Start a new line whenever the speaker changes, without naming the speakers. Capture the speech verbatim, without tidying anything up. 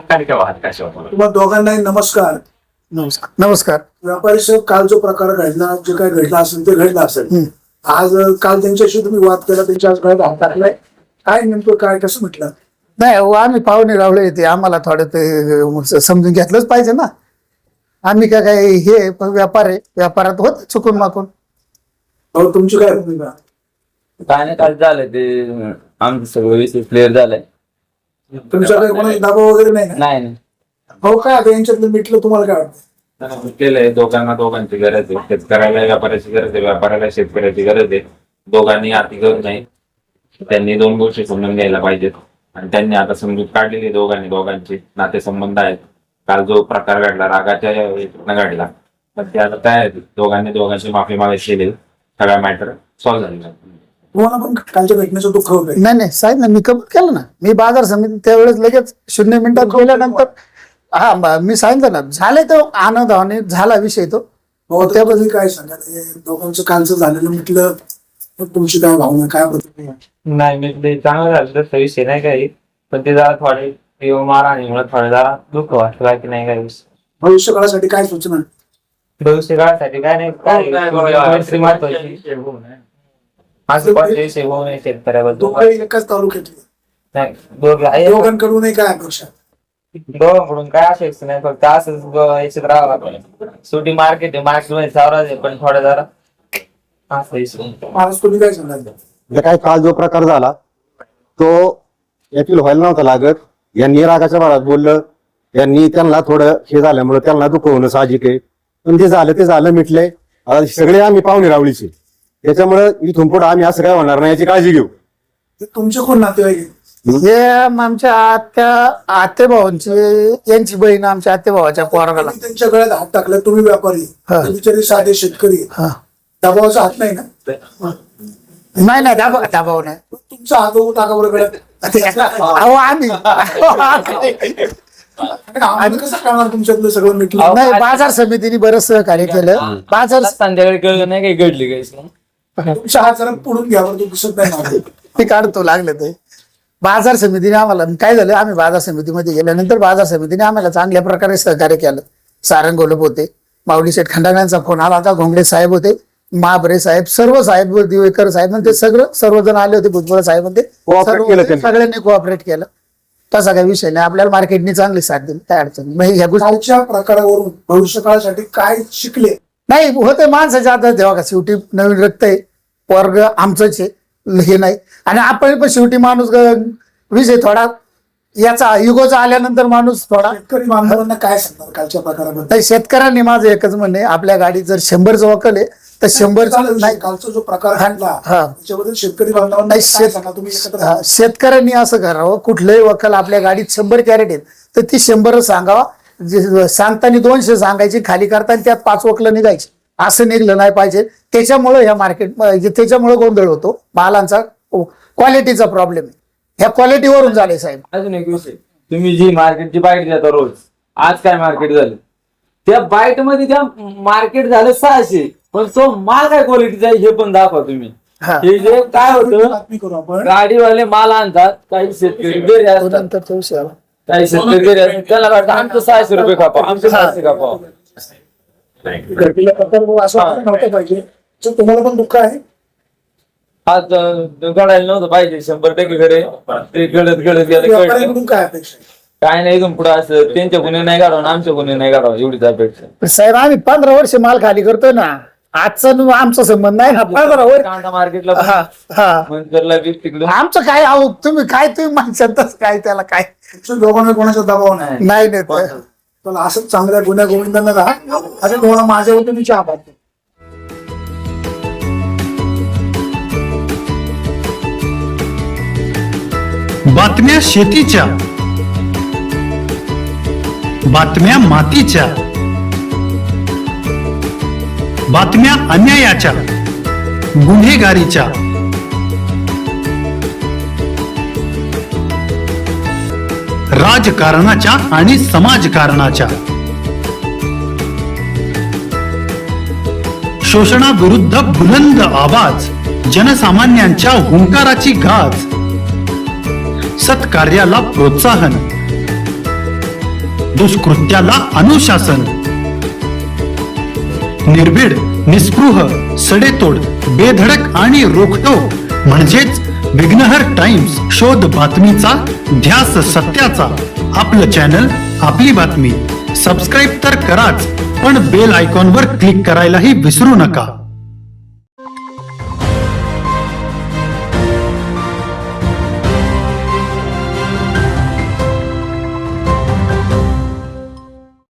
तुम्हाला दोघांनाही नमस्कार.
नमस्कार. नमस्कार.
व्यापारी साहेब, काल जो प्रकार घडला, जे काय घडला असेल ते घडला असेल. आज काल त्यांच्याशी तुम्ही वाद केला, त्यांच्या आज गळ्यात हात टाकलाय, काय नेमकं काय कसं म्हटलं?
नाही हो, आम्ही पाहुणे रावळे येते, आम्हाला थोडं ते समजून घेतलंच पाहिजे ना. आम्ही काय काय हे व्यापार आहे, व्यापारात होत चुकून माकून.
हो, तुमची काय भूमिका?
काय नाही, काय झालं ते आमचं सगळं विषय क्लिअर झालाय.
तुमच्याकडे कोणाचा दबाव वगैरे नाही ना?
नाही नाही
हो, काय आता यांच्यातलं मिटलं, तुम्हाला काय वाटतं?
केलंय. दोघांना दोघांची गरज आहे. शेतकऱ्याला व्यापाऱ्याची गरज आहे, व्यापाऱ्याला शेतकऱ्याची गरज आहे. दोघांनी आती करू नये. त्यांनी दोन गोष्टी समजून घ्यायला पाहिजेत आणि त्यांनी आता समजूत काढलेली दोघांनी दोघांचे नातेसंबंध आहेत. काल जो प्रकार घडला रागाच्या याच्यातनं घडला, तर ते आता काय दोघांनी दोघांची माफी मागायची केली, सगळा मॅटर सॉल्व्ह झालेला.
तुम्हाला पण कालच्या घटनेचं दुःख होतंय?
नाही नाही साहेब ना, मी कबूल केलं ना. मी बाजार समिती त्यावेळेस लगेच शून्य मिनिटात गेल्यानंतर हा मी सांगितलं ना, झाले तो आनंदाने झाला विषय तो.
हो, त्याबद्दल काय सांगाल? हे दोघांचं कालचं झालेलं म्हटलं, तुमची काय भावना, काय प्रतिक्रिया?
नाही मी ते चांगलं झालं तसा विषय नाही काही, पण ते जरा थोडे मारहाणीमुळे थोडं जरा दुःख वाटतं, बाकी नाही काही विषय.
भविष्य काळासाठी काय सूचना?
भविष्य काळासाठी काय नाही, काय मैत्री महत्वाची. असं कोणते विषय होऊ नये शेतकऱ्याबद्दल.
दोघे एकाच तालुक्यातले,
नाही दोघे आहे,
दोघांकडूनही काय अपेक्षा?
दोघांकडून काय असायचं नाही, फक्त असंच याच्यात राहावं लागलं. शेवटी मार्केट आहे, मार्केट मध्ये सावराज आहे, पण थोडं जरा असं विषय.
महाराज, तुम्ही काय सांगाल?
काय काल जो प्रकार झाला तो यातील व्हायला नव्हता लागत. यांनी रागाच्या भरात बोललं, यांनी त्यांना थोडं हे झाल्यामुळे त्यांना दुःख होणं साहजिक आहे. पण ते झालं ते झालं, मिटलंय. आता सगळे आम्ही पाहुणे रावळीचे, त्याच्यामुळे इथून पुढे आम्ही असं काय होणार नाही याची काळजी घेऊ.
तुमचे कोण नातेवाईक आहे?
हे आमच्या आत्या आते भावांची यांची बहीण आमच्या आते भावाच्या पोराला.
तुम्ही त्यांच्या गळ्यात हात टाकला, तुम्ही व्यापारी,
हा.
ते बिचारे साधे शेतकरी,
हा.
दबावाचा हात नाही ना?
नाही नाही दाबा दबाव नाही.
तुमचा हात होऊ टाका बरं गळ्यात.
अहो आम्ही
आम्ही कसं करणार तुमच्यातलं सगळं मिटलं?
नाही, बाजार समितीने बरंच सहकार्य केलं. बाजार
संध्याकाळी कळलं नाही काही घडली काहीच नाही.
तुमच्या हात जरा पुढून घ्या बरं, तो दिसत नाही मला.
ते काढतो लागले ते. बाजार समितीने आम्हाला काय झालं, आम्ही बाजार समितीमध्ये गेल्यानंतर बाजार समितीने आम्हाला चांगल्या प्रकारे सहकार्य केलं. सारंग गोलप होते, माऊली शेठ खंडागळ्यांचा फोन आला होता, घोंगडे साहेब होते, महाबरे साहेब, सर्व साहेब, दिवेकर साहेब, ते सगळं सर्वजण आले होते. भुजबळ साहेब होते, सगळ्यांनी कोऑपरेट केलं. तसा काही विषय नाही, आपल्याला मार्केटने चांगली साथ दिली, काय अडचण नाही. ह्या गोष्टी
कालच्या प्रकारावरून भविष्य काळासाठी काय शिकले?
नाही होते माणसाच्या आता तेव्हा का शेवटी नवीन रक्त आहे, वर्ग आमचंच आहे, हे नाही. आणि आपण पण शेवटी माणूस विषय थोडा याचा युगोचा आल्यानंतर माणूस थोडा.
शेतकरी बांधवांना काय सांगणार कालच्या प्रकाराबद्दल?
नाही, शेतकऱ्यांनी माझं एकच म्हणणे, आपल्या गाडीत जर शंभरचं वकल आहे तर शंभरचा नाही.
कालचा जो प्रकार घडला
हा.
त्याच्याबद्दल शेतकरी बांधवांना
नाही,
काय
शेत-
सांगा तुम्ही एकत्र?
हा, शेतकऱ्यांनी असं करावं, कुठलंही वकल आपल्या गाडीत शंभर कॅरेट आहेत तर ती शंभरच सांगावा. जे सांगताना दोनशे सांगायची, खाली करताना त्यात पाच वकलं निघायची, असं निघलं नाही पाहिजे. त्याच्यामुळे ह्या मार्केट त्याच्यामुळे गोंधळ होतो, मालांचा क्वालिटीचा प्रॉब्लेम आहे. ह्या क्वालिटीवरून झाले साहेब.
अजून एक विषय, तुम्ही जी मार्केटची बाईट देता रोज, आज काय मार्केट झालं, त्या बाईट मध्ये त्या मार्केट झालं सहाशे, पण तो माल काय क्वालिटीचा आहे हे पण दाखवा तुम्ही.
हा.
हे जे काय होतं,
बातमी करू आपण.
गाडीवाले माल आणतात, काही शेतकरी घरी असतात,
नंतर विषय आला.
काही शेतकरी घरी असतात, त्याला वाटतं आमचं सहाशे रुपये खापा, आमचं सहाशे खापा.
घडलेला प्रकार असं व्हायला नव्हतं पाहिजे. तर तुम्हाला पण दुःख आहे?
आज अं, घडायला नव्हतं पाहिजे, शंभर टक्के घरे ते घडत घडत गेलं, कळलं.
व्यापाऱ्यांकडून काय अपेक्षा आहे?
काय नाही, इथून पुढे असं त्यांच्या गुन्हे नाही काढावं, आमच्या गुन्हे नाही काढावं, एवढीच अपेक्षा.
साहेब आम्ही पंधरा वर्ष माल खाली करतोय ना, आजचा न आमचा संबंध नाही ना. पंधरा वर्ष
कांदा मार्केटला
हा हा
मंचरला बी तिकडं
आमचं काय आहो, तुम्ही काय तुम्ही माणसातच काय त्याला काय
तुमच्या दोघांना कोणाचा दबाव नाही.
नाही नाही ते-
चला, असंच चांगल्या गुन्ह्या गोविंदांना राहा. असं तुम्हाला माझ्या वतीने चहा पाहतो.
बातम्या शेतीच्या, बातम्या मातीच्या, बातम्या अन्यायाच्या, गुन्हेगारीच्या, राजकारणाच्या आणि समाजकारणाच्या, शोषणाविरुद्ध बुलंद आवाज, जनसामान्यांच्या हुंकाराची गाज, सत्कार्याला प्रोत्साहन, दुष्कृत्याला अनुशासन. निर्भीड, निस्पृह, सडेतोड, बेधडक आणि रोखटोक म्हणजेच विघ्नहर टाइम्स. शोध बातमीचा, ध्यास सत्याचा. आपलं चॅनल, आपली बातमी. सबस्क्राईब तर कराच, पण बेल आयकॉनवर क्लिक करायलाही विसरू नका.